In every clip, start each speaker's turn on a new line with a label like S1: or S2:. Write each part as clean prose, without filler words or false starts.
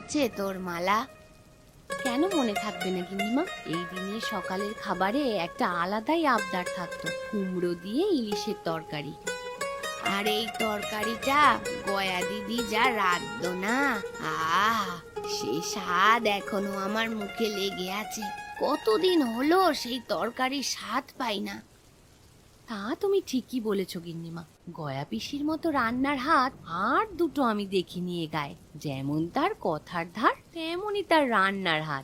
S1: আছে তোর মালা? কেন মনে থাকবে না গিন্নিমা? এই দিনে সকালের খাবারে একটা আলাদাই আবদার থাকতো, কুমড়ো দিয়ে ইলিশের তরকারি। আর এই তরকারিটা গয়া দিদি যা রাঁধতো না, আহ সে স্বাদ এখনো আমার মুখে লেগে আছে। কতদিন হলো সেই তরকারির স্বাদ পাই না। তা তুমি ঠিকই বলেছ গিন্নিমা, গয়া পিসির মতো রান্নার হাত আর দুটো আমি দেখিনি এ গায়ে। যেমন তার কথার ধার, তেমনই তার রান্নার হাত।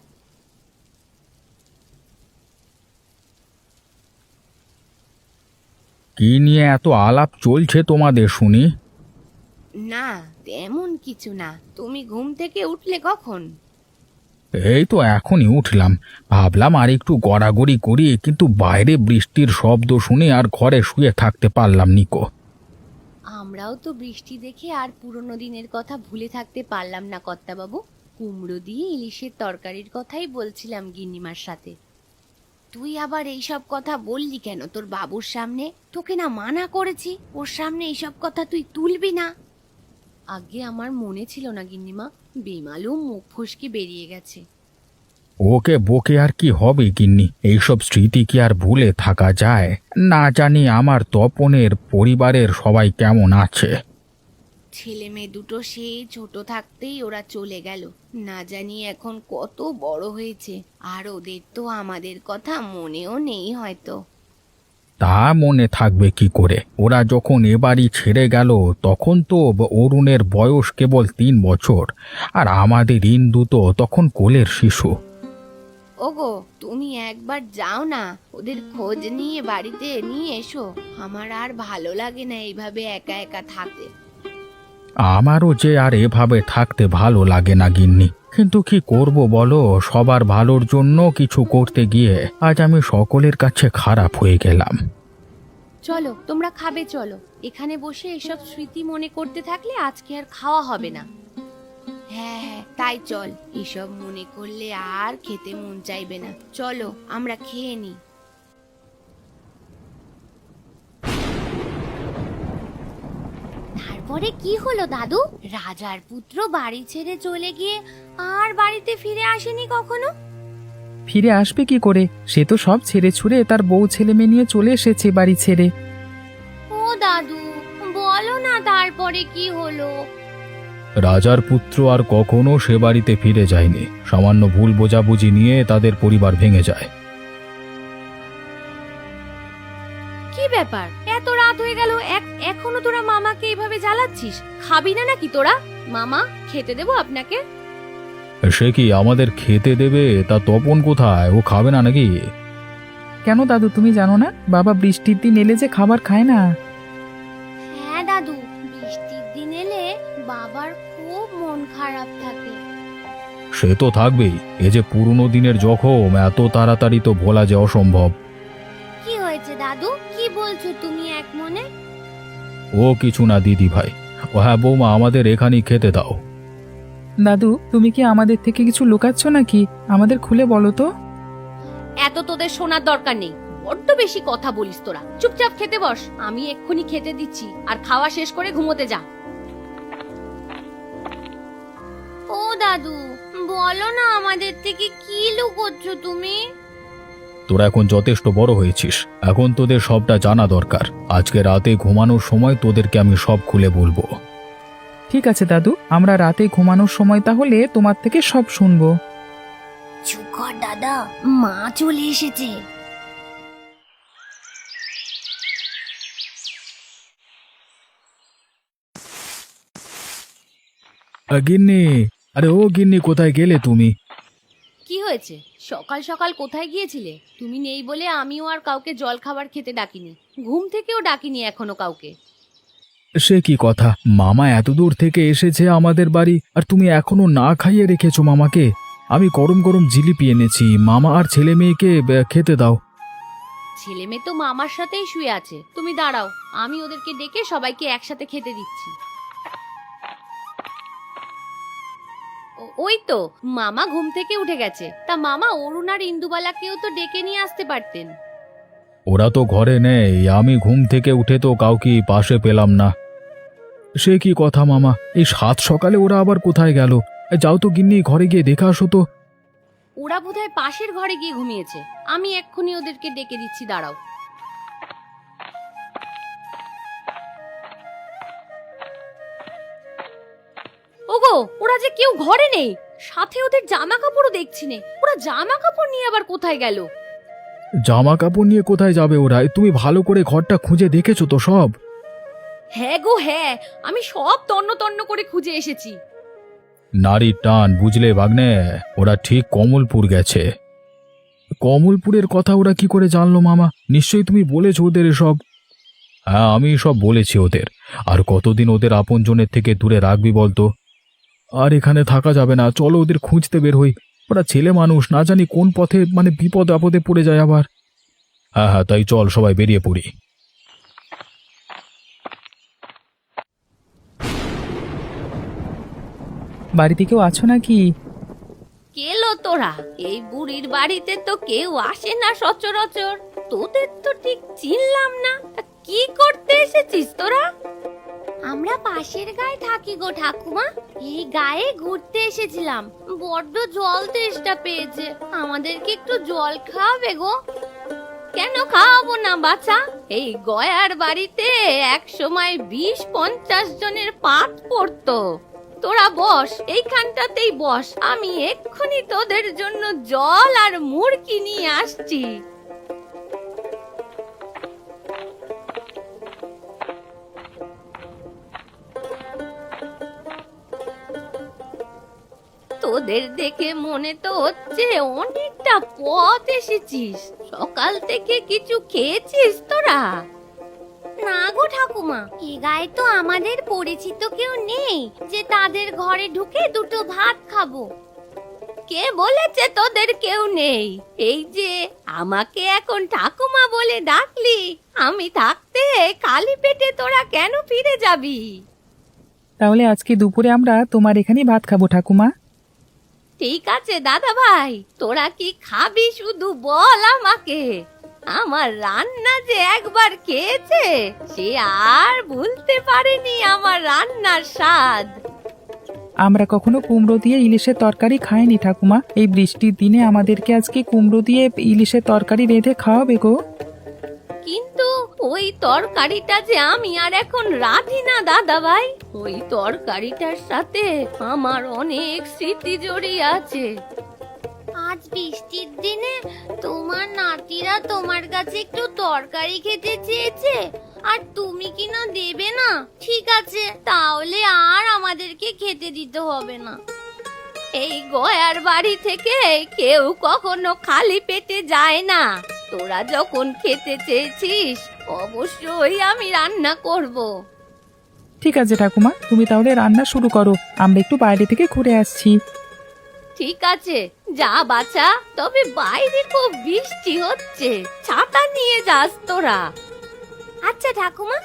S2: কি নিয়ে এত আলাপ চলছে তোমাদের শুনি?
S1: না তেমন কিছু না। তুমি ঘুম থেকে উঠলে কখন?
S2: এই তো এখনই উঠলাম, ভাবলাম আর একটু গড়াগড়ি করি, কিন্তু বাইরে বৃষ্টির শব্দ শুনে আর ঘরে শুয়ে থাকতে পারলাম নিকো।
S1: আমরাও তো বৃষ্টি দেখে আর পুরনো দিনের কথা ভুলে থাকতে পারলাম না কর্তাবাবু। কুমড়ো দিয়ে ইলিশের তরকারির কথাই বলছিলাম গিন্নিমার সাথে। তুই আবার এইসব কথা বললি কেন তোর বাবুর সামনে? তোকে না মানা করেছি ওর সামনে এইসব কথা তুই তুলবি না। আগে আমার মনে ছিল না গিন্নিমা, বেমালুম মুখ ফসকে বেরিয়ে গেছে।
S2: ওকে বকে আর কি হবে গিন্নি, এইসব স্মৃতি কি আর ভুলে থাকা যায়? না জানি আমার তপনের পরিবারের সবাই কেমন আছে।
S1: ছেলে মেয়ে দুটো সেই ছোট থাকতেই ওরা চলে গেল। না জানি এখন কত বড় হয়েছে, আর ওদের তো আমাদের কথা মনেও নেই হয়তো।
S2: তা মনে থাকবে কি করে? ওরা যখন এ বাড়ি ছেড়ে গেল তখন তো অরুণের বয়স কেবল 3 বছর, আর আমাদের ইন্দু তো তখন কোলের শিশু।
S1: ওগো তুমি একবার যাও না, ওদের খোঁজ নিয়ে বাড়িতে নিয়ে এসো। আমার আর ভালো লাগে না এইভাবে একা একা থাকতে।
S2: আমারও যে আর এভাবে থাকতে ভালো লাগে না গিন্নি, কিন্তু কি করব বলো, সবার ভালোর জন্য কিছু করতে গিয়ে আজ আমি সকলের কাছে খারাপ হয়ে গেলাম।
S1: চলো তোমরা খাবে, চলো। এখানে বসে এসব স্মৃতি মনে করতে থাকলে আজকে আর খাওয়া হবে না। হ্যাঁ হ্যাঁ তাই চল, এসব মনে করলে আর খেতে মন চাইবে না। চলো আমরা খেয়ে নিই। তারপরে কি হলো দাদু? রাজার পুত্র বাড়ি ছেড়ে চলে গিয়ে আর বাড়িতে ফিরে আসেনি কখনো?
S3: ফিরে আসবে কি করে? সে তো সব ছেড়ে ছুড়ে তার বউ ছেলে মেয়ে নিয়ে চলে এসেছে বাড়ি ছেড়ে।
S1: ও দাদু বলো না তারপরে কি হলো?
S2: রাজার পুত্র আর কখনো সে বাড়িতে ফিরে যায়নি। সামান্য ভুল বোঝাবুঝি নিয়ে তাদের পরিবার ভেঙে যায়।
S1: কি ব্যাপার, এত রাত হয়ে গেল, এখনো তোরা মামাকে এইভাবে জ্বালাচ্ছিস? খাবি না নাকি তোরা? মামা খেতে দেবো আপনাকে?
S2: সে কি আমাদের খেতে দেবে? তা তপন কোথায়? ও খাবে না নাকি?
S3: কেন দাদু, তুমি জানো না বাবা বৃষ্টির দিন এলে যে খাবার খায় না?
S1: হ্যাঁ দাদু, বৃষ্টির দিন এলে বাবার খুব মন খারাপ থাকে।
S2: সে তো থাকবেই, এ যে পুরনো দিনের জখম, এত তাড়াতাড়ি তো ভোলা যে অসম্ভব।
S1: কি হয়েছে দাদু, কি বলছো তুমি এক মনে?
S2: ও কিছু না দিদি ভাই। ও হ্যাঁ বৌমা, আমাদের এখানেই খেতে দাও।
S3: দাদু, তুমি কি আমাদের থেকে কিছু লুকাচ্ছ নাকি? আমাদের খুলে বলো তো।
S1: এত তোদের শোনার দরকার নেই, বড্ড বেশি কথা বলিস তোরা। চুপচাপ খেতে বস, আমি এক্ষুনি খেতে দিচ্ছি, আর খাওয়া শেষ করে ঘুমোতে যা। ও দাদু বলো না, আমাদের থেকে কি লুকোচ্ছ তুমি?
S2: তোরা এখন যথেষ্ট বড় হয়েছিস, এখন তোদের সবটা জানা দরকার। আজকে রাতে ঘুমানোর সময় তোদেরকে আমি সব খুলে বলবো।
S3: ঠিক আছে দাদু, আমরা রাতে ঘুমানোর সময় তাহলে তোমার থেকে সব শুনবো।
S1: চুপ কর দাদা, মা চলে এসেছে।
S2: গিন্নি, আরে ও গিন্নি, কোথায় গেলে তুমি?
S1: কি হয়েছে? সকাল সকাল কোথায় গিয়েছিলে? তুমি নেই বলে আমিও আর কাউকে জল খাবার খেতে ডাকিনি, ঘুম থেকেও ডাকিনি এখনো কাউকে।
S2: সে কি কথা, মামা এত দূর থেকে এসেছে আমাদের বাড়ি, আর তুমি এখনো না খাইয়ে রেখেছো মামাকে? আমি গরম গরম জিলিপি এনেছি, মামা আর ছেলে মেয়েকে খেতে দাও।
S1: ছেলে মেয়ে তো মামার সাথেই শুয়ে আছে, তুমি দাঁড়াও, আমি ওদেরকে ডেকে সবাইকে একসাথে খেতে দিচ্ছি। ওই তো মামা ঘুম থেকে উঠে গেছে। তা মামা, অরুণ আর ইন্দুবালাকেও তো ডেকে নিয়ে আসতে পারতেন।
S2: ওরা তো ঘরে নেই, আমি ঘুম থেকে উঠে তো কাউকে পাশে পেলাম না। সে কি কথা মামা, এই সাত সকালে ওরা আবার কোথায় গেল? যাও তো গিন্নি, ঘরে গিয়ে দেখে আসো তো।
S1: ওরা বোধহয় পাশের ঘরে গিয়ে ঘুমিয়েছে। আমি এক্ষুনি ওদেরকে ডেকে দিচ্ছি, দাঁড়াও। ওগো, ওরা যে কেউ ঘরে নেই, সাথে ওদের জামা কাপড়ও দেখছি নে। ওরা জামা কাপড় নিয়ে আবার কোথায় গেল?
S2: জামা কাপড় নিয়ে কোথায় যাবে ওরা? তুমি ভালো করে ঘরটা খুঁজে দেখেছো তো সব?
S1: হ্যাঁ গো হ্যাঁ, আমি সব তন্ন তন্ন করে খুঁজে এসেছি।
S2: নারীর টান, বুঝলে ভাগ্নে, ওরা ঠিক কমলপুর গেছে। কমলপুরের কথা ওরা কি করে জানলো মামা? নিশ্চয়ই তুমি বলেছো ওদের এসব। হ্যাঁ, আমি সব বলেছি ওদের। আর কতদিন ওদের আপনজনের থেকে দূরে রাখবি বলতো? আর এখানে থাকা যাবে না, চলো ওদের খুঁজতে বের হই। ওরা ছেলে মানুষ, না জানি কোন পথে বিপদ আপদে পড়ে যায় আবার। হ্যাঁ হ্যাঁ, তাই চল সবাই বেরিয়ে পড়ি।
S3: বাড়িতে কেউ আছো নাকি?
S1: কেলো তোরা? এই বুড়ির বাড়িতে তো কেউ আসে না সচরাচর। তোদের তো ঠিক চিনলাম না। কি করতে এসেছিস তোরা? আমরা পাশের গায়ে থাকি গো ঠাকুমা। এই গায়ে ঘুরতে এসেছিলাম। বড্ড জল তেষ্টা পেয়েছে, আমাদেরকে একটু জল খাওয়াবে গো? কেন খাওয়াবো না বাছা? এই গয়ার বাড়িতে এক সময় 20-50 জনের পাত পড়তো। তোরা বস, এইখানটাতেই বস, আমি এক্ষুনি তোদের জন্য জল আর মুড়কি নিয়ে আসছি। তোদের দেখে মনে তো হচ্ছে অনেকটা পথ এসেছিস। সকাল থেকে কিছু খেয়েছিস তোরা? না গো ঠাকুমা, এ গায়ে তো আমাদের পরিচিত কেউ নেই যে তাদের ঘরে ঢুকে দুটো ভাত খাবো। কে বলেছে তোদের কেউ নেই? এই যে আমাকে এখন ঠাকুমা বলে ডাকলি, আমি থাকতে খালি পেটে তোরা কেন ফিরে যাবি?
S3: তাহলে আজকে দুপুরে আমরা তোমার এখানেই ভাত খাবো ঠাকুমা।
S1: ঠিক আছে দাদা ভাই, তোরা কি খাবি শুধু বল আমাকে। আমার রান্না যে একবার খেয়েছে, সে আর ভুলতে পারেনি আমার রান্নার স্বাদ।
S3: আমরা কখনো কুমড়ো দিয়ে ইলিশের তরকারি খাইনি ঠাকুমা। এই বৃষ্টির দিনে আমাদেরকে আজকে কুমড়ো দিয়ে ইলিশের তরকারি রেঁধে খাওয়াবে গো।
S1: কিন্তু ওই তরকারিটা যে আমি আর এখন রাঁধি না দাদা ভাই। ওই তরকারিটার সাথে আমার অনেক স্মৃতি জড়িয়ে আছে। আজ বৃষ্টির দিনে তোমার নাতিরা তোমার কাছে একটু তরকারি খেতে চেয়েছে, আর তুমি কি না দেবে না? ঠিক আছে, তাহলে আর আমাদেরকে খেতে দিতে হবে না। এই গয়ার বাড়ি থেকে কেউ কখনো খালি পেটে যায় না। তোরা যখন খেতে চেয়েছিস, অবশ্যই আমি রান্না করব।
S3: ঠিক আছে ঠাকুমা, তুমি তাহলে রান্না শুরু করো, আমরা একটু বাইরে থেকে ঘুরে আসছি।
S1: ঠিক আছে, যা বাছা, তবে বাইরে খুব বৃষ্টি হচ্ছে, ছাতা নিয়ে যাস তোরা। আচ্ছা ঠাকুমা।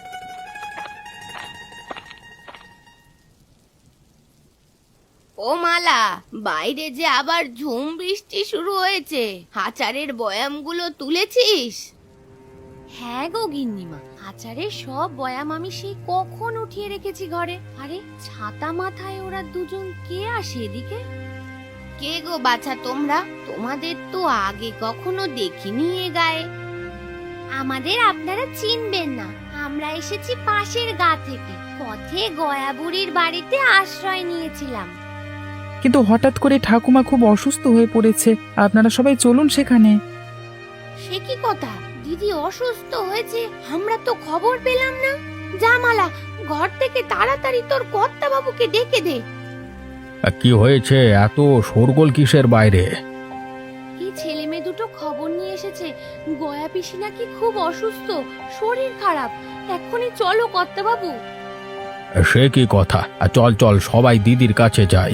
S1: ও মালা, বাইরে যে আবার ঝুম বৃষ্টি শুরু হয়েছে, আচারের বয়ামগুলো তুলেছিস? হ্যাঁ গো গিন্নিমা, আচারের সব বয়াম আমি সেই কখন উঠিয়ে রেখেছি ঘরে। আরে ছাতা মাথায় ওরা দুজন কে আসে এদিকে? কে গো বাছা তোমরা? তোমাদের তো আগে কখনো দেখিনি এ গায়ে। আমাদের আপনারা চিনবেন না, আমরা এসেছি পাশের গা থেকে। পথে গয়া বুড়ির বাড়িতে আশ্রয় নিয়েছিলাম।
S3: কিন্তু হঠাৎ করে ঠাকুমা খুব অসুস্থ হয়ে পড়েছে, আপনারা সবাই চলুন সেখানে।
S1: সে কি কথা? দিদি অসুস্থ হয়েছে, আমরা তো খবর পেলাম না। জামালা, ঘর থেকে তাড়াতাড়ি তোর কর্তা বাবুকে ডেকে দে।
S2: কি হয়েছে? এত শোরগোল কিসের বাইরে?
S1: এই ছেলে মেয়ে দুটো খবর নিয়ে এসেছে, গয়া পিসি নাকি খুব অসুস্থ, শরীর খারাপ। এক্ষুনি চলো কর্তা বাবু।
S2: সে কি কথা? চল চল, সবাই দিদির কাছে যাই।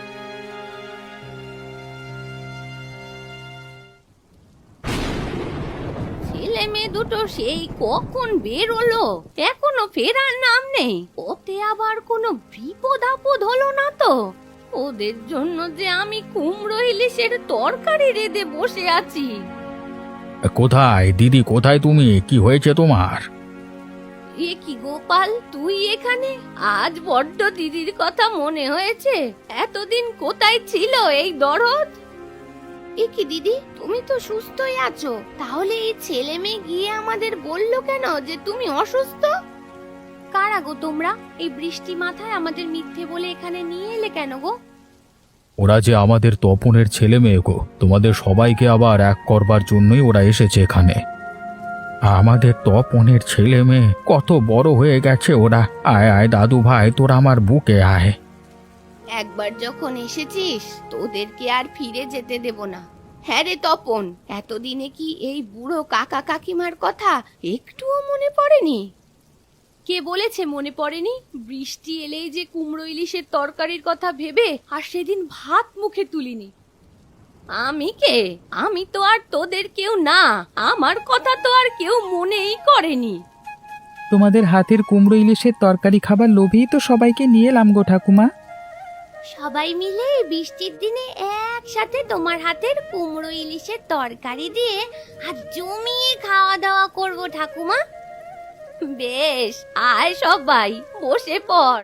S1: ছেলে মেয়ে দুটো সেই কখন বেরোলো, এখনো ফেরার নাম নেই। ওতে আবার কোনো বিপদ আপদ হলো না তো? ওদের জন্য যে আমি কুমড়ো ইলিশের তরকারি রেঁধে বসে আছি।
S2: কোথায় দিদি, কোথায় তুমি? কি হয়েছে তোমার?
S1: এ কি গোপাল, তুই এখানে? আজ বড্ড দিদির কথা মনে হয়েছে। এতদিন কোথায় ছিল এই দরদ? এ কি দিদি, তুমি তো সুস্থই আছো, তাহলে এই ছেলে মেয়ে গিয়ে আমাদের বললো কেন যে তুমি অসুস্থ? কারা গো তোমরা? এই বৃষ্টি মাথায় আমাদের মিথ্যে বলে এখানে নিয়ে এলে কেন গো?
S2: ওরা যে আমাদের তপনের ছেলে মেয়ে গো, তোমাদের সবাইকে আবার এক করবার জন্যই ওরা এসেছে এখানে। আমাদের তপনের ছেলে মেয়ে কত বড় হয়ে গেছে ওরা। আয় আয় দাদু ভাই, তোরা আমার বুকে আয়।
S1: একবার যখন এসেছিস তোদেরকে আর ফিরে যেতে দেব না। হ্যাঁ রে তপন, এতদিনে কি এই বুড়ো কাকা কাকিমার কথা একটুও মনে পড়েনি? কে বলেছে মনে পড়েনি? বৃষ্টি এলেই যে কুমড়ো ইলিশের তরকারির কথা ভেবে আর সেদিন ভাত মুখে তুলিনি। আমি কে? আমি তো আর তোদের কেউ না, আমার কথা তো আর কেউ মনেই করেনি।
S3: তোমাদের হাতের কুমড়ো ইলিশের তরকারি খাবার লোভেই তো সবাইকে নিয়ে এলাম গো ঠাকুমা।
S1: সবাই মিলে এই বৃষ্টির দিনে একসাথে তোমার হাতের কুমড়ো ইলিশের তরকারি দিয়ে আর জমিয়ে খাওয়া দাওয়া করব ঠাকুমা। বেশ, আয় সবাই, বসে পড়।